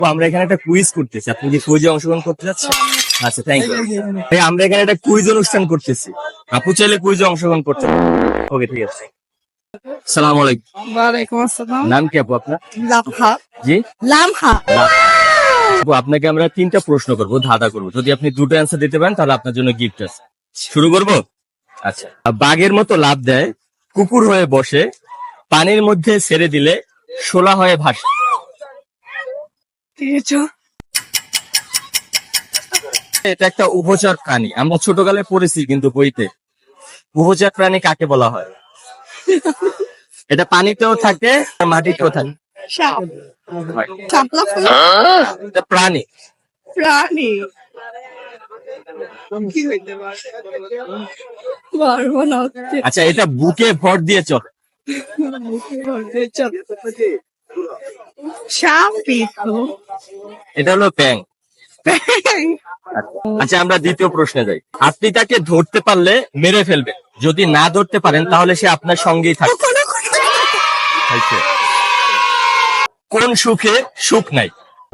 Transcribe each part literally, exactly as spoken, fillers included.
আমরা এখানে একটা কুইজ করতেছি, আপনি কি কুইজে অংশগ্রহণ করতে যাচ্ছেন? আচ্ছা, থ্যাংক ইউ ভাই। আমরা এখানে একটা কুইজ অনুষ্ঠান করতেছি, আপু চাইলে কুইজে অংশগ্রহণ করতে। ওকে, ঠিক আছে। সালাম আলাইকুম। ওয়ালাইকুম আসসালাম। নাম কি আপু আপনার? লামহা। জি, লামহা। আপু আপনাকে আমরা তিনটা প্রশ্ন করবো, ধাঁধা করবো। যদি আপনি দুটো অ্যান্সার দিতে পারেন তাহলে আপনার জন্য গিফট আছে। শুরু করবো? আচ্ছা। বাঘের মতো লাফ দেয়, কুকুর হয়ে বসে, পানির মধ্যে ছেড়ে দিলে শোলা হয়ে ভাসে। এটা একটা উভচর প্রাণী, আমরা ছোটকালে পড়েছি কিন্তু বইতে। উভচর প্রাণী কাকে বলা হয়? এটা পানিতেও থাকে, মাটিতেও থাকে। সাপ। শাপলা ফুল। এটা প্রাণী। প্রাণী। কি হইতে পারে? পারবো না। আচ্ছা, এটা বুকে ভর দিয়ে চলে। সাপ পিছু। এটা হলো ব্যাঙ। আচ্ছা, আমরা দ্বিতীয় প্রশ্নে যাই। আপনি তাকে ধরতে পারলে মেরে ফেলবেন, যদি না ধরতে পারেন তাহলে সে আপনার সঙ্গেই থাকবে। আচ্ছা। কোন সুখে সুখ নাই?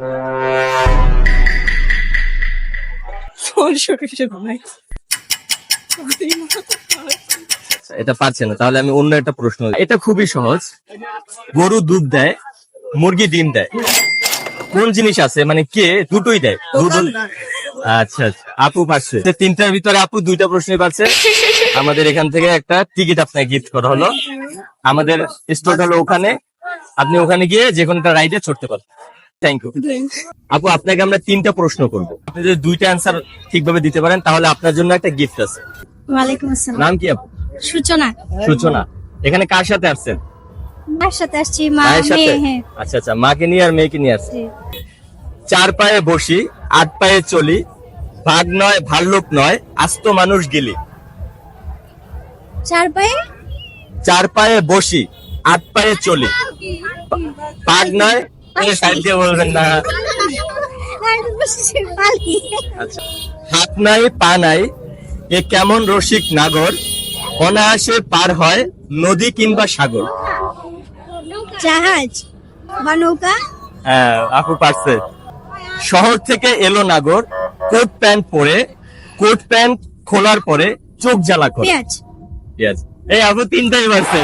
এটা পারছে না, তাহলে আমি অন্য একটা প্রশ্ন। এটা খুবই সহজ। গরু দুধ দেয়, মুরগি ডিম দেয়, কোন জিনিস আছে মানে কে দুটোই দেয়? আচ্ছা আচ্ছা, আপু পারছে। তিনটার ভিতরে আপু দুইটা প্রশ্নই পারছে। আমাদের এখান থেকে একটা টিকিট আপনাকে গিফট করা হলো। আমাদের স্পট হলো ওখানে, আপনি ওখানে গিয়ে যে কোনো একটা রাইডে চড়তে পারেন। থ্যাংক ইউ আপু। আপনাকে আমরা তিনটা প্রশ্ন করবো, আপনি যদি দুইটা অ্যান্সার ঠিকভাবে দিতে পারেন তাহলে আপনার জন্য একটা গিফট আছে। ওয়ালাইকুম আসসালাম। নাম কি আপু? সূচনা। সূচনা। এখানে কার সাথে আসছেন? মার সাথে আসছি। মা মায়ের সাথে? মেয়ে। হ্যাঁ। আচ্ছা আচ্ছা, মাকে নিয়ে আর মেয়েকে নিয়ে আসছে। জি। চার পায়ে বসি, আট পায়ে চলি, ভাগ নয় ভাল্লুক নয়, আস্ত মানুষ গিলি। চার পায়ে চার পায়ে বসি, আট পায়ে চলি, ভাগ নয়। সাইড দিয়ে বলবেন না। আচ্ছা। হাত নাই পা নাই, এ কেমন রসিক নাগর, অনায়াসে পার হয় নদী কিংবা সাগর। জাহাজ বা নৌকা। হ্যাঁ, আপু পারছে। শহর থেকে এলো নাগর, কোট প্যান্ট পরে, কোট প্যান্ট খোলার পরে চোখ জ্বালা করে। পেঁয়াজ। Yes. এই আপু তিনটাই পারছে।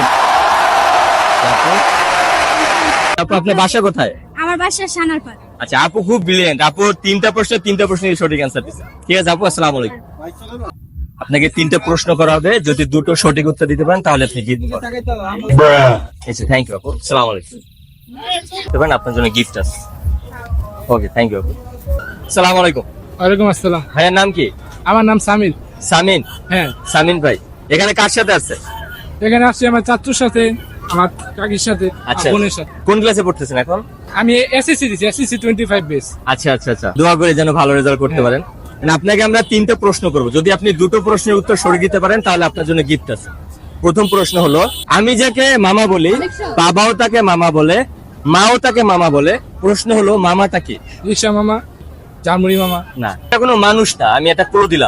আপু আপনার বাসা কোথায়? আমার বাসা সানারপাড়। আচ্ছা, আপু খুব ব্রিলিয়েন্ট। আপু তিনটা প্রশ্ন তিনটা প্রশ্নের সঠিক অ্যান্সার দিচ্ছে। ঠিক আছে আপু, আসসালামু আলাইকুম। আপনাকে তিনটা প্রশ্ন করা হবে, যদি দুটো সঠিক উত্তর দিতে পারেন তাহলে আপনি গিফট পাবেন। থ্যাংক ইউ আপু, আসসালামু আলাইকুম। দেখবেন আপনার জন্য গিফট আছে। ওকে, থ্যাংক ইউ আপু। আসসালামু আলাইকুম। ওয়ালাইকুম আসসালাম। ভাইয়ের নাম কি? আমার নাম সামির। সামিন। হ্যাঁ। সামিন ভাই, এখানে কার সাথে আছে? এখানে আসছি আমার চাচুর সাথে, আমার কাকির সাথে, আচ্ছা, বোনের সাথে। কোন ক্লাসে পড়তেছেন এখন? আমি এসএসসি দিচ্ছি, এসএসসি টোয়েন্টি ফাইভ বেস। আচ্ছা আচ্ছা আচ্ছা, দোয়া করে যেন ভালো রেজাল্ট করতে পারেন। আপনাকে আমরা তিনটা প্রশ্ন করব, যদি আপনি দুটো প্রশ্নের উত্তর সঠিক দিতে পারেন তাহলে আপনার জন্য গিফট আছে। প্রথম প্রশ্ন হলো, আমি যাকে মামা বলি বাবাও তাকে মামা বলে, মাও তাকে মামা বলে, প্রশ্ন হলো মামাটা কি? রিক্সা মামা, জামুরি মামা। না, এটা কোনো মানুষ না, আমি এটা ক্লু দিলাম।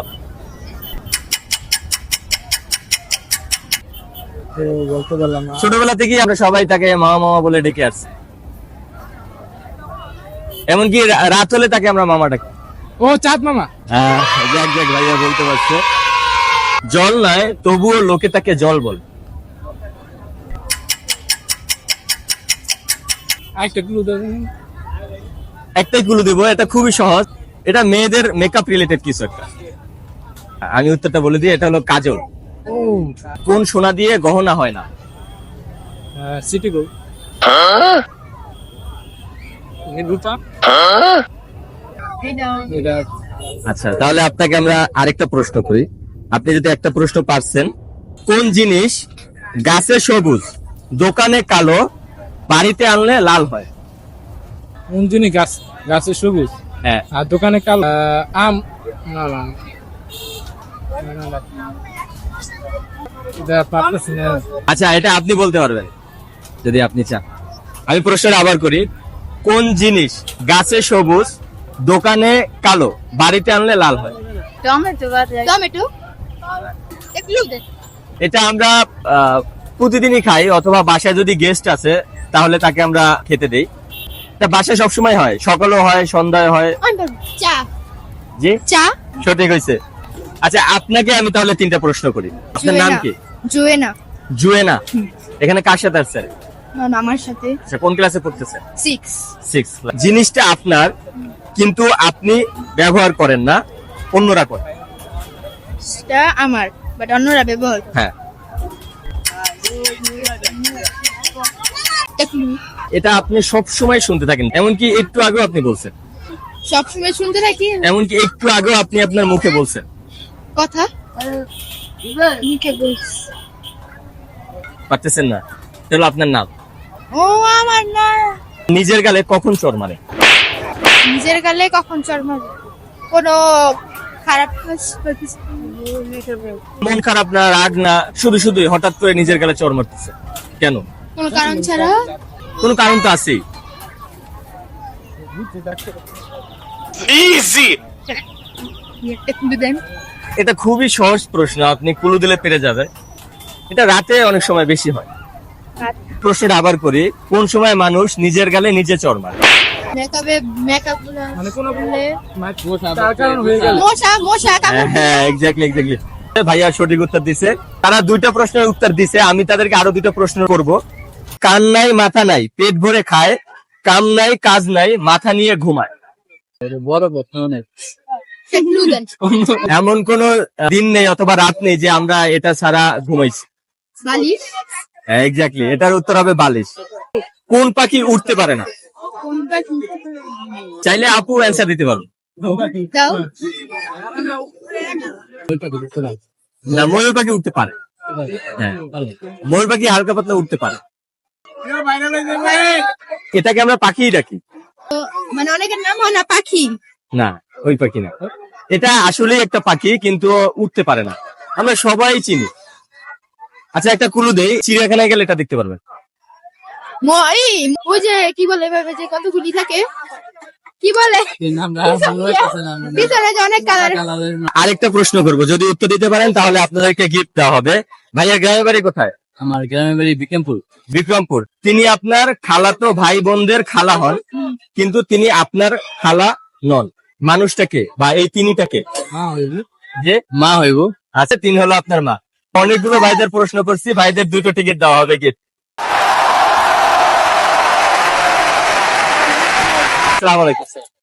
বলতে পারলাম না। ছোটবেলা থেকেই আমরা সবাই তাকে মামা মামা বলে ডেকে আসছি, এমনকি রা- রাত হলে তাকে আমরা মামা ডাকি। ও চাঁদ মামা। হ্যাঁ, যাক যাক, ভাইয়া বলতে পারছে। জল নয়, তবুও লোকে তাকে জল বলে। আরেকটা ক্লু দেবেন? একটাই ক্লু দিব, এটা খুবই সহজ। এটা মেয়েদের মেকআপ রিলেটেড কিছু একটা। আমি উত্তরটা বলে দিই, এটা হলো কাজল। ও কোন সোনা দিয়ে গহনা হয় না? City gold. রূপা। এটা আচ্ছা, তাহলে আপনাকে আমরা আরেকটা প্রশ্ন করি। আপনি যদি একটা প্রশ্ন পারছেন, কোন জিনিস গাছে সবুজ, দোকানে কালো, বাড়িতে আনলে লাল হয়? কোন জিনিস গাছ গাছে সবুজ হ্যাঁ। আর দোকানে কালো? আহ, আম। না না না। না, না, না। এটা পারতেছি না। আচ্ছা, এটা আপনি বলতে পারবেন যদি আপনি চান। আমি প্রশ্নটা আবার করি, কোন জিনিস গাছে সবুজ, দোকানে কালো, বাড়িতে আনলে লাল হয়? টমেটো। টমেটো। একটু দে। এটা আমরা আহ, প্রতিদিনই খাই, অথবা বাসায় যদি গেস্ট আছে তাহলে তাকে আমরা খেতে দেই। এটা বাসায় সবসময় হয়, সকালেও হয়, সন্ধ্যায় হয়। চা জি, চা সঠিক হয়েছে। আচ্ছা, আপনাকে আমি তাহলে তিনটা প্রশ্ন করি। আপনার নাম কি? জুয়েনা জুয়েনা। এখানে কার সাথে আসছেন? আমার সাথে আচ্ছা, কোন ক্লাসে পড়তেছেন? Six six. জিনিসটা আপনার কিন্তু আপনি ব্যবহার করেন না, অন্যরা করে। টা আমার বাট অন্যরা ব্যবহার করে। হ্যাঁ, একটু এটা আপনি সব সময় শুনতে থাকেন, এমনকি একটু আগেও আপনি বলছেন। সবসময় শুনতে থাকি এমনকি একটু আগেও আপনি আপনার মুখে বলছেন। কথা মুখে বলছি। পারতেছেন না, এটা হলো আপনার নাম। ও আমার না নিজের গালে কখন চড় মারে? নিজের গালে কখন চড় মারে? কোনো খারাপ কাজ করতেছি। মন খারাপ না, রাগ না, শুধু শুধু হঠাৎ করে নিজের গালে চড় মারতেছে কেন? কোনো কারণ ছাড়া কোনো কারণ তো আছেই। একটু দেন। এটা খুবই সহজ প্রশ্ন, আপনি কুলু দিলে পেরে যাবে। এটা রাতে অনেক সময় বেশি হয়। প্রশ্নটা আবার করি, কোন সময় মানুষ নিজের গালে নিজে চড় মারে? মেকআপে মেকআপ মানে কোনো বলে তার কারণ হয়ে গেল। মশা মশা কামড় হ্যাঁ, এক্স্যাক্টলি এক্স্যাক্টলি। ভাইয়া সঠিক উত্তর দিছে। তারা দুইটা প্রশ্নের উত্তর দিছে, আমি তাদেরকে আরো দুইটা প্রশ্ন করব। কান নাই মাথা নাই, পেট ভরে খায়, কাম নাই কাজ নাই, মাথা নিয়ে ঘুমায়। বড় কথা অনেক। একটু দেন। এমন কোন দিন নেই অথবা রাত নেই যে আমরা এটা ছাড়া ঘুমাইছি। বালিশ এক্স্যাক্টলি, এটার উত্তর হবে বালিশ। কোন পাখি উঠতে পারে না? কোনটা কি? চাইলে আপু অ্যান্সার দিতে পারো। দাও না, ময়ূর পাখি উঠতে পারে। হ্যাঁ, ময়ূর পাখি হালকা পাতলা উঠতে পারে। এটাকে আমরা পাখিই ডাকি। তো, মানে অনেকের নাম হয় না পাখি। না, ওই পাখি না। এটা আসলে একটা পাখি, কিন্তু উঠতে পারে না। আমরা সবাই চিনি। আচ্ছা, একটা কুলু দেই, চিড়িয়াখানায় গেলে এটা দেখতে পারবেন। মই ওই যে কি বলে এভাবে যে কতগুলি থাকে কি বলে আমরা ভালো লাগতেছে না। ভিতরে যে অনেক কালার। আরেকটা প্রশ্ন করব, যদি উত্তর দিতে পারেন তাহলে আপনাদেরকে গিফট দেওয়া হবে। ভাইয়া গ্রামের বাড়ি কোথায়? আমার গ্রামের বাড়ি বিক্রমপুর। বিক্রমপুর। তিনি আপনার খালাতো ভাই বোনদের খালা হন, কিন্তু তিনি আপনার খালা নন। মানুষটাকে বা এই তিনিটাকে মা হইব। যে মা হইব। আচ্ছা, তিনি হলো আপনার মা। অনেকগুলো ভাইদের প্রশ্ন করছি, ভাইদের দুটো টিকিট দেওয়া হবে গিফট। আসসালামু আলাইকুম।